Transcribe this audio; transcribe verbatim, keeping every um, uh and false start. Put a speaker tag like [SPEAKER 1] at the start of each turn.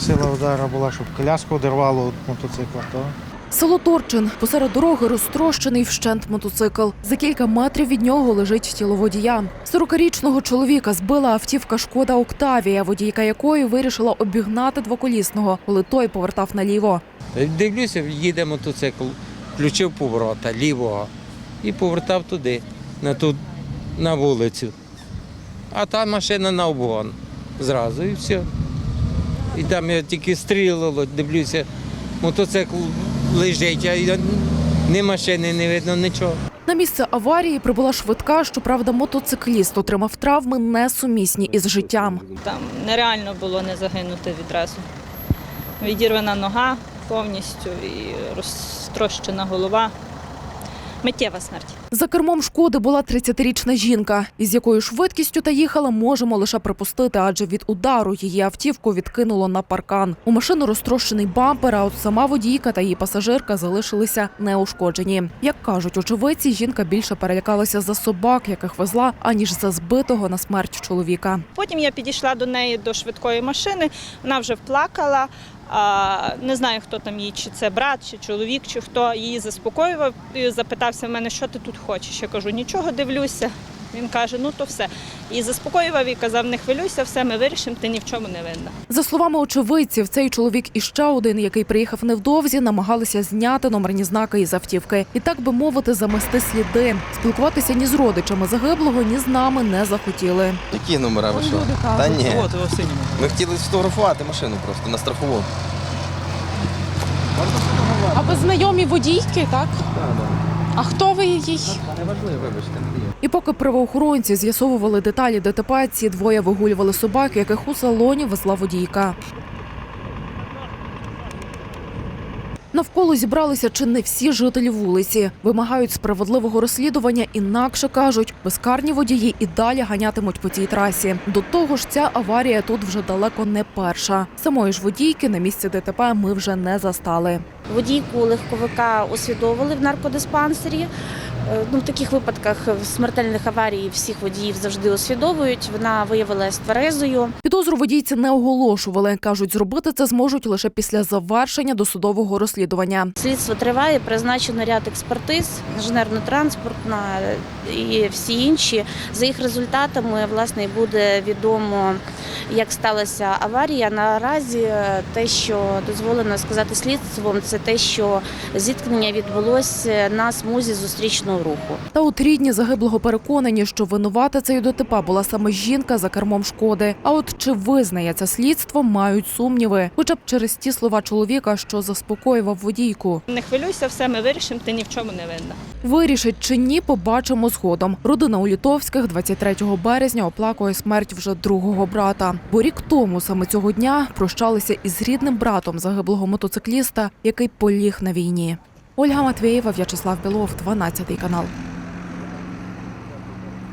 [SPEAKER 1] сила удару була, щоб коляску одірвало від мотоцикла. То...
[SPEAKER 2] Село Торчин. Посеред дороги розтрощений вщент мотоцикл. За кілька метрів від нього лежить тіло водія. сорокарічного чоловіка збила автівка «Шкода Октавія», водійка якої вирішила обігнати двоколісного, коли той повертав наліво.
[SPEAKER 3] Дивлюся, їде мотоцикл, включив поворота лівого і повертав туди, на, ту, на вулицю. А та машина на обгон зразу і все. І там я тільки стрілило, дивлюся, мотоцикл лежить, а ні машини не видно, нічого.
[SPEAKER 2] На місце аварії прибула швидка, щоправда, мотоцикліст отримав травми несумісні із життям.
[SPEAKER 4] Там нереально було не загинути відразу. Відірвана нога повністю і розтрощена голова. Миттєва смерть.
[SPEAKER 2] За кермом «Шкоди» була тридцятирічна жінка. Із якою швидкістю та їхала, можемо лише припустити, адже від удару її автівку відкинуло на паркан. У машину розтрощений бампер, а от сама водійка та її пасажирка залишилися неушкоджені. Як кажуть очевидці, жінка більше перелякалася за собак, яких везла, аніж за збитого на смерть чоловіка.
[SPEAKER 4] Потім я підійшла до неї до швидкої машини, вона вже плакала. А, не знаю, хто там її, чи це брат, чи чоловік, чи хто. Її заспокоював і запитався в мене, що ти тут хочеш. Я кажу, нічого, дивлюся. Він каже, ну то все. І заспокоював і казав, не хвилюйся, все ми вирішимо, ти ні в чому не винна.
[SPEAKER 2] За словами очевидців, цей чоловік і ще один, який приїхав невдовзі, намагалися зняти номерні знаки із автівки. І так би мовити, замести сліди. Спілкуватися ні з родичами загиблого, ні з нами не захотіли.
[SPEAKER 5] Які номера ви що? Та ні. Ми хотіли сфотографувати машину просто на страхову.
[SPEAKER 6] А ви знайомі водійки, так?
[SPEAKER 5] Так, так.
[SPEAKER 6] А хто ви їй?
[SPEAKER 5] Неважливо, вибачте.
[SPEAKER 2] І поки правоохоронці з'ясовували деталі ДТП, ці двоє вигулювали собак, яких у салоні везла водійка. Навколо зібралися чи не всі жителі вулиці. Вимагають справедливого розслідування, інакше, кажуть, безкарні водії і далі ганятимуть по цій трасі. До того ж, ця аварія тут вже далеко не перша. Самої ж водійки на місці ДТП ми вже не застали.
[SPEAKER 7] Водійку легковика освідовували в наркодиспансері. Ну, в таких випадках смертельних аварій всіх водіїв завжди освідовують. Вона виявилась тверезою.
[SPEAKER 2] Підозру водійці не оголошували. Кажуть, зробити це зможуть лише після завершення досудового розслідування.
[SPEAKER 7] Слідство триває, призначено ряд експертиз, інженерно-транспортна і всі інші. За їх результатами, власне, буде відомо, як сталася аварія. Наразі те, що дозволено сказати слідством, це те, що зіткнення відбулося на смузі зустрічного руху.
[SPEAKER 2] Та от рідні загиблого переконані, що винувата цієї ДТП була саме жінка за кермом «Шкоди». А от чи визнає це слідство, мають сумніви. Хоча б через ті слова чоловіка, що заспокоював водійку.
[SPEAKER 4] Не хвилюйся, все ми вирішимо, ти ні в чому не винна.
[SPEAKER 2] Вирішить чи ні, побачимо згодом. Родина Улітовських двадцять третього березня оплакує смерть вже другого брата. Бо рік тому саме цього дня прощалися із рідним братом загиблого мотоцикліста, який поліг на війні. Ольга Матвєєва, В'ячеслав Білов, дванадцятий канал.